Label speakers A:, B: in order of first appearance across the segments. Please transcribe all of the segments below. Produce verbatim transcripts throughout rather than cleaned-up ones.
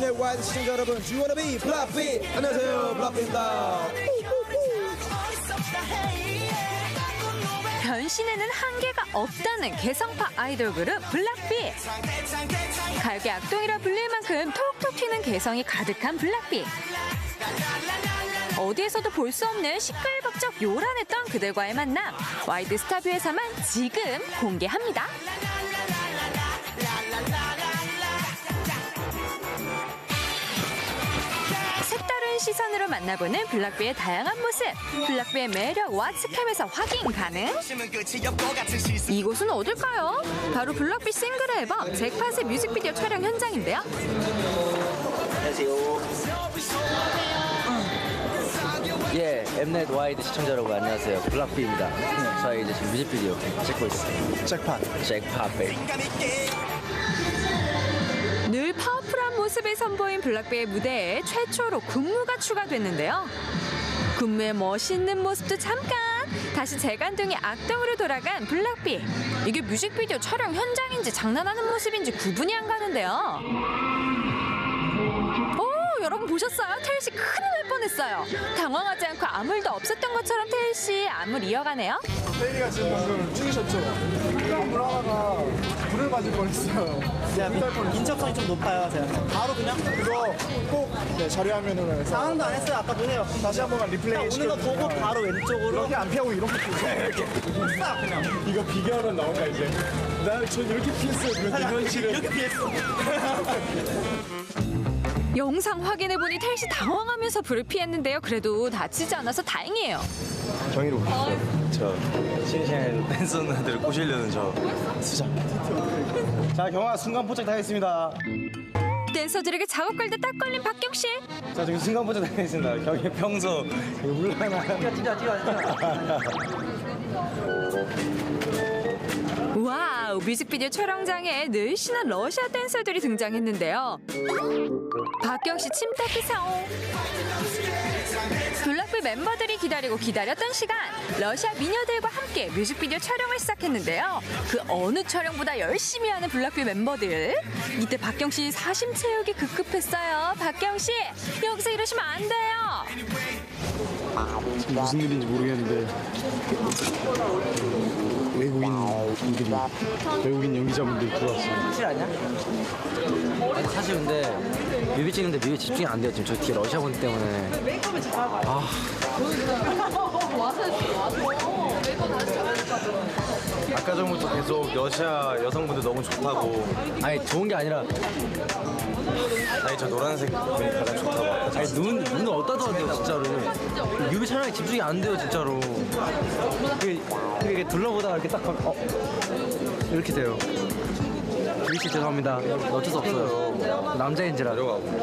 A: 엠넷 와이드 시청자 여러분, Do you wanna be 블락비? 안녕하세요, 블락비입니다.
B: 변신에는 한계가 없다는 개성파 아이돌 그룹 블락비. 가요계 악동이라 불릴 만큼 톡톡 튀는 개성이 가득한 블락비. 어디에서도 볼 수 없는 시끌벅적 요란했던 그들과의 만남, 와이드 스타뷰에서만 지금 공개합니다. 색다른 시선으로 만나보는 블락비의 다양한 모습, 블락비의 매력 왓츠캠에서 확인 가능? 이곳은 어딜까요? 바로 블락비 싱글 앨범 잭팟의 뮤직비디오 촬영 현장인데요.
C: 예, 엠넷 와이드 시청자 여러분 안녕하세요. 블락비입니다. 저희 이제 지금 뮤직비디오 찍고 있어요.
A: 잭팟.
C: 잭팟 베이.
B: 늘 파워풀한 모습을 선보인 블락비의 무대에 최초로 군무가 추가됐는데요. 군무의 멋있는 모습도 잠깐, 다시 재간둥이 악동으로 돌아간 블락비. 이게 뮤직비디오 촬영 현장인지 장난하는 모습인지 구분이 안 가는데요. 오, 여러분 보셨어요? 태일씨 큰일 날 뻔했어요. 당황하지 않고 아무 일도 없었던 것처럼 태일씨 안무를 이어가네요.
D: 태일이가 지금 방금 죽이셨죠? 건물 하나가 불을 맞을 뻔했어요.
E: 제가 민첩성이 좀 높아요, 제가. 바로 그냥
D: 그거 꼭 네, 자료 화면으로 해서
E: 상황도 안 했어요. 아까 보세요.
D: 다시 한 번만 리플레이
E: 오는 거 보고
D: 시켜주세요.
E: 바로 왼쪽으로
D: 이렇게 안 피하고 이렇게 피우세요. 이렇게
E: 싹 그냥
D: 이거 비교하면 나온다 이제. 나전 이렇게 피했어요. 그런데 현실은
E: 이렇게 피했어.
B: 영상 확인해보니 태일씨 당황하면서 불을 피했는데요. 그래도 다치지 않아서 다행이에요.
F: 정의로 오셨어요. 저 신신 댄서 누나들 꼬시려는 저 수장.
D: 자, 경아 순간 포착 당했습니다.
B: 댄서들에게 작업 갈 때 딱 걸린 박경씨.
F: 자 지금 순간 포착 당했습니다. 경이 평소 물러나.
C: 찢어, 찢어, 찢어.
B: 와우, 뮤직비디오 촬영장에 늘씬한 러시아 댄서들이 등장했는데요. 박경씨 침대피 사오. 블락비 멤버들이 기다리고 기다렸던 시간, 러시아 미녀들과 함께 뮤직비디오 촬영을 시작했는데요. 그 어느 촬영보다 열심히 하는 블락비 멤버들. 이때 박경씨 사심 채우기 급급했어요. 박경씨, 여기서 이러시면 안 돼요.
D: 무슨 일인지 모르겠는데 외국인들이 외국인 연기자분들이 들어왔어요.
C: 사실 아니야? 아니, 사실 근데 뮤비 찍는데 뮤비 집중이 안 돼요. 지금 저 뒤에 러시아 분 때문에. 아.
F: 아까 전부터 계속 러시아 여성분들 너무 좋다고.
C: 아니 좋은 게 아니라,
F: 아니 저 노란색 분이 가장 좋다고.
C: 아니 눈 눈을 어디다 둬야 돼요 진짜로. 뮤비 촬영에 집중이 안 돼요 진짜로. 그게 이렇게 둘러보다가 이렇게 딱 가면, 어 이렇게 돼요. 뮤비 씨 죄송합니다. 어쩔 수 없어요. 남자인지라.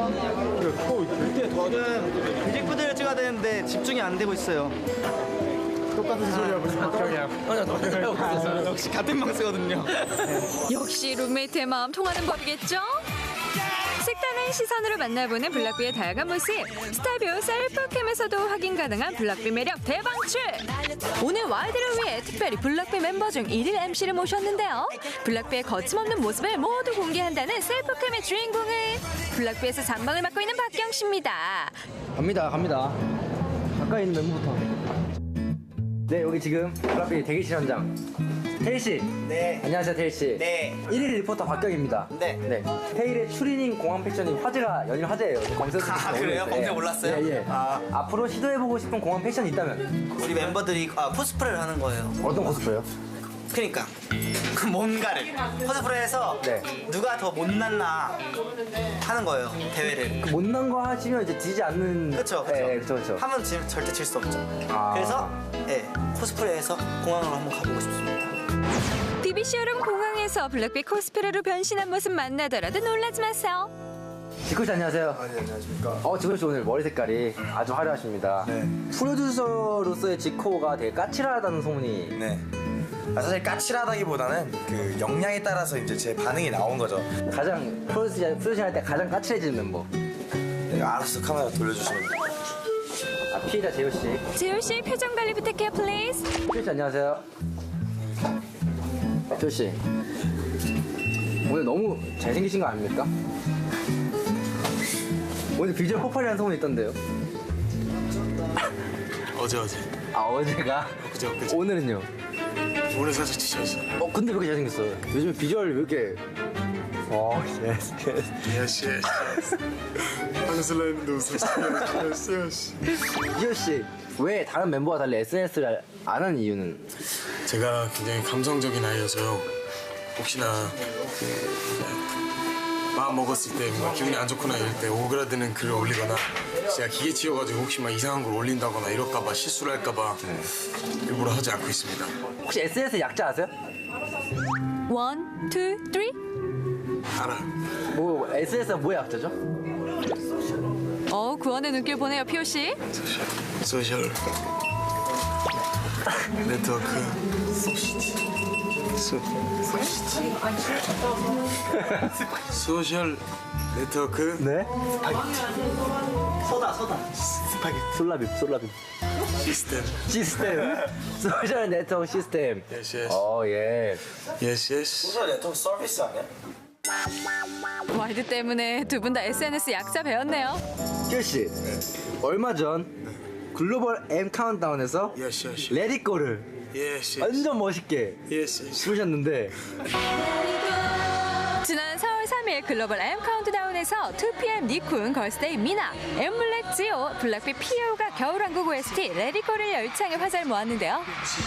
E: 저는 뮤직비디오를 찍어야 되는데 집중이 안 되고 있어요.
D: 똑같은 소리 하고 있어요.
E: 역시 같은 방 쓰거든요.
B: 역시 룸메이트의 마음 통하는 법이겠죠? 색다른 시선으로 만나보는 블락비의 다양한 모습, 스타뷰 셀프캠에서도 확인 가능한 블락비 매력 대방출! 오늘 와이드를 위해 특별히 블락비 멤버 중 일일 엠씨를 모셨는데요. 블락비의 거침없는 모습을 모두 공개한다는 셀프캠의 주인공은 블락비에서 잠방을 맡고 있는 박경씨입니다.
C: 갑니다, 갑니다. 가까이 있는 멤버부터. 네, 여기 지금 블락비 대기실 현장. 태일 씨.
E: 네.
C: 안녕하세요, 태일 씨.
E: 네.
C: 일일 리포터 박경입니다.
E: 네.
C: 네. 태일의 추리닝 공항 패션이 화제가 열린 화제예요. 검색어
E: 아, 그래요? 검색 몰랐어요?
C: 예, 예.
E: 아.
C: 앞으로 시도해보고 싶은 공항 패션이 있다면
E: 우리 멤버들이 아, 코스프레를 하는 거예요.
C: 어떤 코스프레요?
E: 그러니까 그 뭔가를 코스프레해서
C: 네.
E: 누가 더 못났나 하는 거예요, 대회를.
C: 못난 거 하시면 이제 지지 않는.
E: 그렇죠, 그렇죠.
C: 예, 그렇죠, 그렇죠.
E: 하면 지, 절대 질 수 없죠.
C: 아.
E: 그래서 예, 코스프레해서 공항으로 한번 가보고 싶습니다.
B: 비비씨 여름 공항에서 블락비 코스프레로 변신한 모습 만나더라도 놀라지 마세요.
C: 지코 씨 안녕하세요.
F: 아, 네, 안녕하십니까.
C: 어, 지코 씨 오늘 머리 색깔이 아주 화려하십니다.
F: 네.
C: 프로듀서로서의 지코가 되게 까칠하다는 소문이.
F: 네. 아, 사실 까칠하다기보다는 그 역량에 따라서 이제 제 반응이 나온 거죠.
C: 가장 프로듀싱, 프로듀싱 할 때 가장 까칠해지는 멤버.
F: 네, 알아서 카메라 돌려주시면 돼요.
C: 아, 피해자 재호 씨.
B: 재율씨 표정 관리 부탁해요, 플리즈.
C: 재호 씨 안녕하세요. 재호 씨. 오늘 너무 잘생기신 거 아닙니까? 오늘 비주얼 폭발이라는 소문이 있던데요.
F: 어제 어제.
C: 아 어제가?
F: 그제 엊그제.
C: 오늘은요?
F: 오늘 살짝 지쳐있어.
C: 어 근데 왜 이렇게 잘생겼어요? 요즘 비주얼 왜 이렇게? 어 예스 예스.
F: 예스 예스. 하는 슬라임인데 웃었어. 예스 예스.
C: 이효 씨, 왜 다른 멤버와 달리 에스엔에스를 안 하는 이유는?
F: 제가 굉장히 감성적인 아이여서요. 혹시나 마음 먹었을 때 뭔가 기분이 안 좋거나 이럴 때 오그라드는 글을 올리거나 제가 기계 치여가지고 혹시 막 이상한 걸 올린다거나 이럴까봐 실수를 할까봐 일부러 하지 않고 있습니다.
C: 혹시 에스엔에스 약자 아세요?
B: 원, 투, 쓰리.
F: 알아.
C: 뭐 에스엔에스가 뭐의 약자죠?
B: 어, 구원의 눈길 보내요, 피오 씨.
F: 소셜 네트워크 소, 소셜 네트워크
C: 네.
E: 소다 소다.
F: 스파게티
C: 솔라빔 솔라빔.
F: 시스템.
C: 시스템. 소셜 네트워크 시스템.
F: 예스 예스.
C: 어 예.
F: 예스 예스.
E: 소셜 네트워크 서비스 아니야?
B: 와이드 때문에 두 분 다 에스엔에스 약자 배웠네요.
C: 희호 씨, 얼마 전 글로벌 M 카운트다운에서
F: 예스 예스.
C: 레디꼬를
F: 예스 예스.
C: 완전 멋있게
F: 예스 예스.
C: 부르셨는데
B: 지난 사월 삼일 글로벌 M 카운트다운에서 투 피엠 니쿤, 걸스데이 미나, 엠블랙 지오, 블락비 피오가 겨울왕국 오에스티 레디코를 열창해 화제를 모았는데요.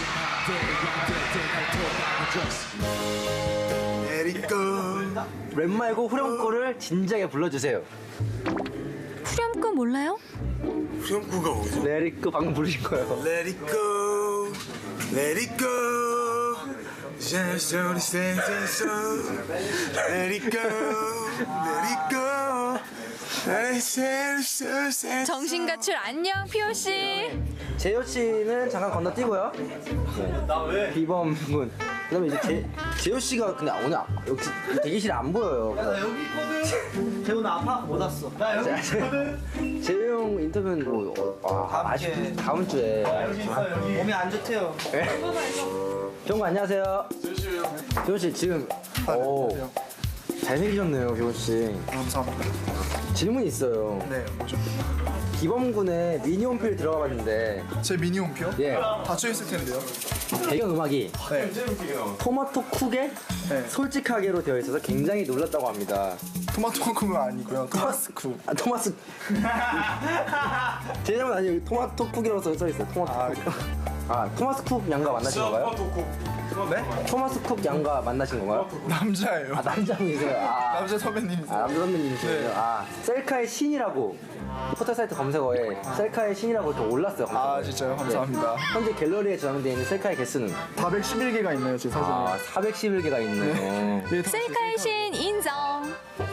F: 에리코.
C: 랩 말고 후렴구를 진지하게 불러주세요.
B: 후렴구 몰라요?
F: 후렴구가 뭐죠?
C: 레디꼬 방금 부르신 거예요.
F: Let it go, let it go. Just only standing so. Let it go, let it go. I said so sad.
B: 정신 가출 안녕, 피오 씨.
C: 재효 씨는 잠깐 건너뛰고요. 나 왜? 비범 군. 그다음에 이제 재, 재효 씨가 근데 오늘 아- 여기 대기실에 안 보여요.
E: 나 여기 있거든. 재훈 아파 못 왔어. 나 여기 있거든.
C: 재효 형 인터뷰는 뭐 어, 아,
E: 다음
C: 아쉽
E: 주에.
C: 다음 주에.
E: 몸이 안 좋대요.
C: 병구 안녕하세요. 재효 씨 지금 오 잘생기셨네요, 재효 씨.
D: 감사합니다.
C: 질문이 있어요.
D: 네, 뭐죠?
C: 비범군의 미니홈필 들어가봤는데
D: 제 미니 홈피요?
C: 예
D: 닫혀 있을 텐데요.
C: 배경 음악이
D: 네.
C: 토마토 쿡에
D: 네.
C: 솔직하게로 되어 있어서 굉장히 놀랐다고 합니다.
D: 토마토 쿡은 아니고요. 토마스 쿡.
C: 아 토마스 제 잘못 아니에요. 토마토 쿡이라고 써 있어요. 토마토
D: 아,
C: 쿡. 아 토마스 쿡 양과 만나신 건가요?
D: 네?
C: 토마스 쿡 양과 만나신 건가요?
D: 남자예요.
C: 아 남자분이세요. 아,
D: 남자 선배님이세요.
C: 아 남자 선배님이시군요.
D: 네.
C: 아 셀카의 신이라고 포털 사이트 검색어에 셀카의 신이라고 이렇게 올랐어요. 검색어에.
D: 아, 진짜요? 감사합니다.
C: 네. 현재 갤러리에 저장되어 있는 셀카의 개수는
D: 사백십일 개가 있나요, 제 사진에?
C: 아 사백십일 개가 있네요.
D: 네, 다-
B: 셀카의 신 인정.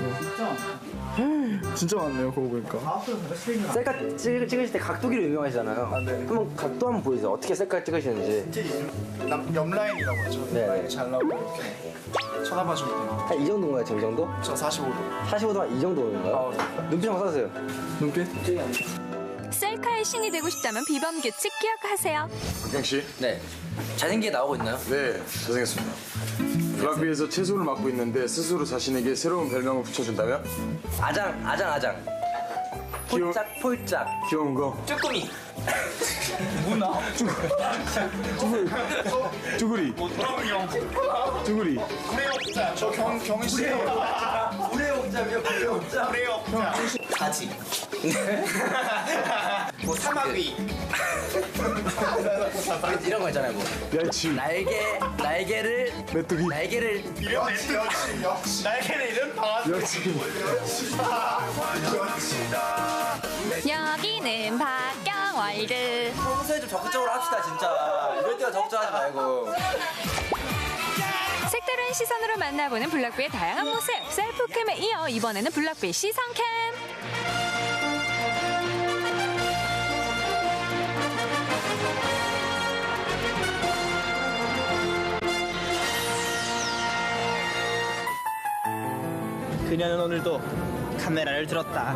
D: 진짜 많네요, 그거 보니까.
C: 셀카 찍, 찍으실 때 각도기로 유명하시잖아요.
D: 아, 네.
C: 한번 각도 한번 보여주세요. 어떻게 셀카 찍으시는지.
D: 남, 옆라인이라고 하죠.
C: 네.
D: 라인이 잘 나오고 이렇게 쳐다봐주면 돼요.
C: 한 이 정도인가요, 지금 이 정도?
D: 저 사십오 도.
C: 사십오 도면 이 정도인가요?
D: 아,
C: 눈빛 한번 써주세요.
D: 눈빛?
B: 셀카의 신이 되고 싶다면 비범 규칙 기억하세요.
F: 박경 씨.
C: 네. 잘생기게 나오고 있나요?
F: 네, 잘생겼습니다. 블락비에서 채소를 맡고 있는데 스스로 자신에게 새로운 별명을 붙여준다면?
C: 아장, 아장, 아장.
F: 귀여워.
C: 폴짝, 폴짝.
F: 귀여운 거.
E: 쭈꾸미.
F: 쭈구리. 쭈구리.
D: 저 경, 경희 씨.
E: 가지. 뭐 사마귀.
C: 이런 거 있잖아요, 뭐.
F: 멸치.
C: 날개, 날개를,
F: 메뚜기.
C: 날개를.
D: 역시, 역시, 역시. 날개는 이런 강아지.
F: 멸치.
B: 여기는 박경월드.
C: 평소에 좀 적극적으로 합시다, 진짜. 이럴 때가 적극적하지 말고.
B: 색다른 시선으로 만나보는 블락비의 다양한 모습. 셀프캠에 이어 이번에는 블락비 시선캠.
E: 그녀는 오늘도 카메라를 들었다.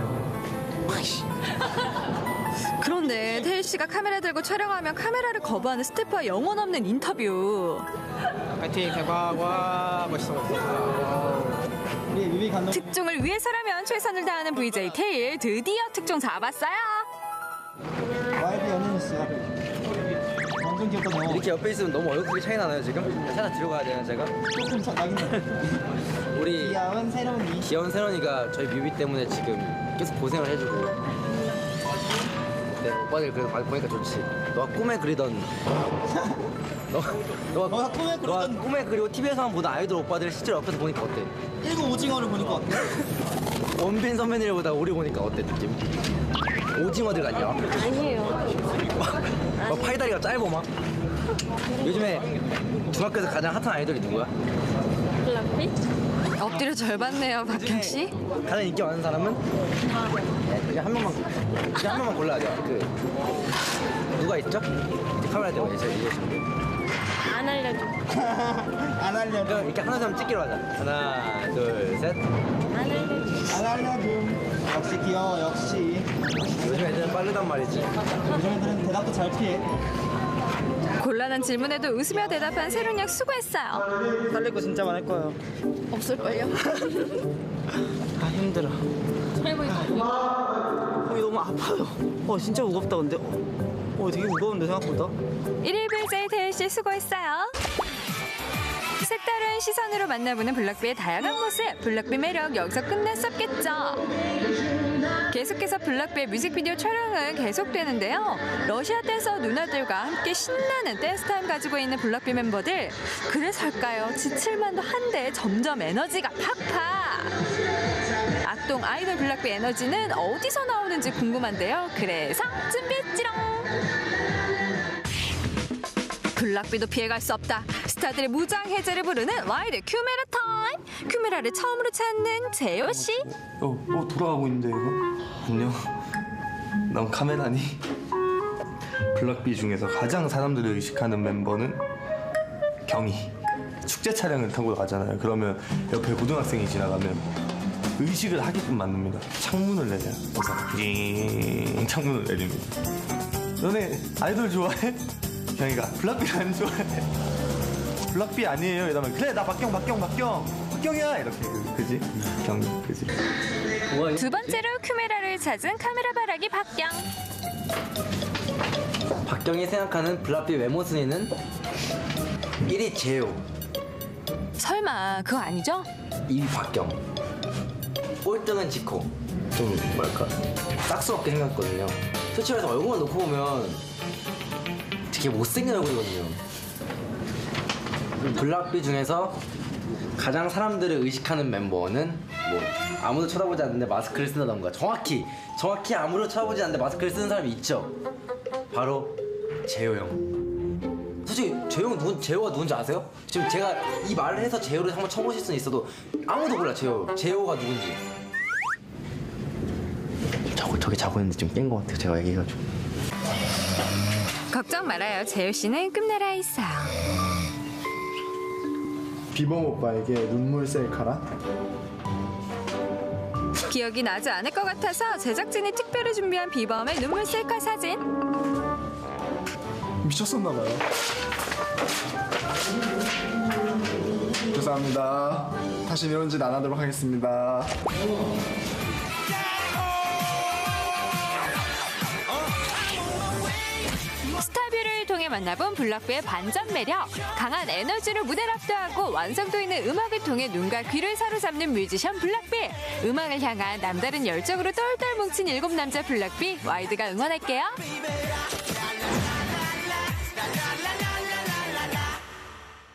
B: 그런데 태일 씨가 카메라 들고 촬영하면 카메라를 거부하는 스태프와 영혼 없는 인터뷰.
E: 파이팅 대박. 와 멋있어 멋있어. 우리 뮤비 감독.
B: 특종을 위해서라면 최선을 다하는 브이제이 테일 드디어 특종 잡았어요.
E: 와이드 연예인이었어요. 완전 귀엽다 너.
C: 이렇게 옆에 있으면 너무 얼굴이 차이 나나요 지금? 살짝 뒤로 가야 되나 제가?
E: 조금 차 나긴 해.
C: 우리
E: 귀여운 새로운 이.
C: 귀여운 세런이가 저희 뮤비 때문에 지금 계속 고생을 해주고. 네, 오빠들 그래도 많이 보니까 좋지. 너가 꿈에 그리던 너, 너가,
E: 너가 꿈에 그리던-
C: 너가 꿈에 그리고 티비에서만 보던 아이돌 오빠들 실제로 옆에서 보니까 어때?
E: 일곱 오징어를 보니까 어때?
C: 원빈 선배님보다 우리 보니까 어때 느낌? 오징어들 같냐?
G: 아니에요.
C: 막 팔다리가 짧어 막. 요즘에 중학교에서 가장 핫한 아이돌이 누구야?
G: 블락비?
B: 엎드려 절받네요, 박경 씨.
C: 가장 인기 많은 사람은? 네, 그냥 한 명만 그냥 한 명만 골라야 돼요. 그 누가 있죠? 카메라 대고 제가 얘기해줄게요.
G: 안 알려줘.
E: 안 알려줘.
C: 그럼 이렇게 하나 사람 찍기로 하자. 하나, 둘, 셋.
G: 안 알려줘.
E: 안 알려줘. 역시 귀여워 역시.
C: 요즘 애들은 빠르단 말이지.
E: 요즘 애들은 대답도 잘 피해.
B: 곤란한 질문에도 웃으며 대답한 세론 양 수고했어요.
E: 살릴 거 진짜 많을 거예요.
G: 없을걸요?
E: 아 힘들어. 몸이 너무 아파요. 어 진짜 무겁다 근데. 어 되게 무거운데 생각보다.
B: 일일 브이제이 테일 씨 수고했어요. 색다른 시선으로 만나보는 블락비의 다양한 모습, 블락비 매력 여기서 끝낼 수 없겠죠. 계속해서 블락비의 뮤직비디오 촬영은 계속되는데요. 러시아 댄서 누나들과 함께 신나는 댄스 타임 가지고 있는 블락비 멤버들. 그래서일까요? 지칠만도 한데 점점 에너지가 팍팍. 악동 아이돌 블락비 에너지는 어디서 나오는지 궁금한데요. 그래서 준비했지롱. 블락비도 피해갈 수 없다. 스타들의 무장 해제를 부르는 와이드 큐메라 타임. 큐메라를 처음으로 찾는 재호 씨.
F: 어, 어 돌아가고 있는데 이거? 안녕. 넌 카메라니? 블락비 중에서 가장 사람들을 의식하는 멤버는 경희. 축제 촬영을 타고 가잖아요. 그러면 옆에 고등학생이 지나가면 의식을 하게끔 만듭니다. 창문을 내려요. 그래서 징 창문을 내립니다. 너네 아이돌 좋아해? 경희가 블락비 안 좋아해. 블락비 아니에요. 이러면 그래 나 박경 박경 박경 박경이야 이렇게 그, 그지? 경희 그지?
B: 두 번째로 큐메라를 찾은 카메라 바라기 박경.
C: 박경이 생각하는 블락비 외모 순위는 일 위 재호,
B: 설마 그거 아니죠?
C: 이 위 박경, 꼴등은 지코. 좀 뭐랄까 싹스럽게 생겼거든요. 솔직히 말해서 얼굴만 놓고 보면 되게 못생긴 얼굴이거든요. 블락비 중에서 가장 사람들을 의식하는 멤버는 뭐 아무도 쳐다보지 않는데 마스크를 쓴다던가. 정확히 정확히 아무도 쳐다보지 않는데 마스크를 쓰는 사람이 있죠. 바로 재호 형. 솔직히 재호 형 누군 재호가 누군지 아세요? 지금 제가 이 말을 해서 재호를 한번 쳐보실 수는 있어도 아무도 몰라. 재호 재호가 누군지. 저거 저기 자고 있는데 좀 깬 것 같아요. 제가 얘기해가지고.
B: 걱정 말아요. 재호 씨는 끝내라 있어요.
D: 비범 오빠에게 눈물 셀카라?
B: 기억이 나지 않을 것 같아서 제작진이 특별히 준비한 비범의 눈물 셀카 사진.
D: 미쳤었나봐요. 죄송합니다. 다시 이런 짓 안 하도록 하겠습니다.
B: 스타뷰를 통해 만나본 블락비의 반전 매력, 강한 에너지로 무대를 압도하고 완성도 있는 음악을 통해 눈과 귀를 사로잡는 뮤지션 블락비. 음악을 향한 남다른 열정으로 똘똘 뭉친 일곱 남자 블락비, 와이드가 응원할게요.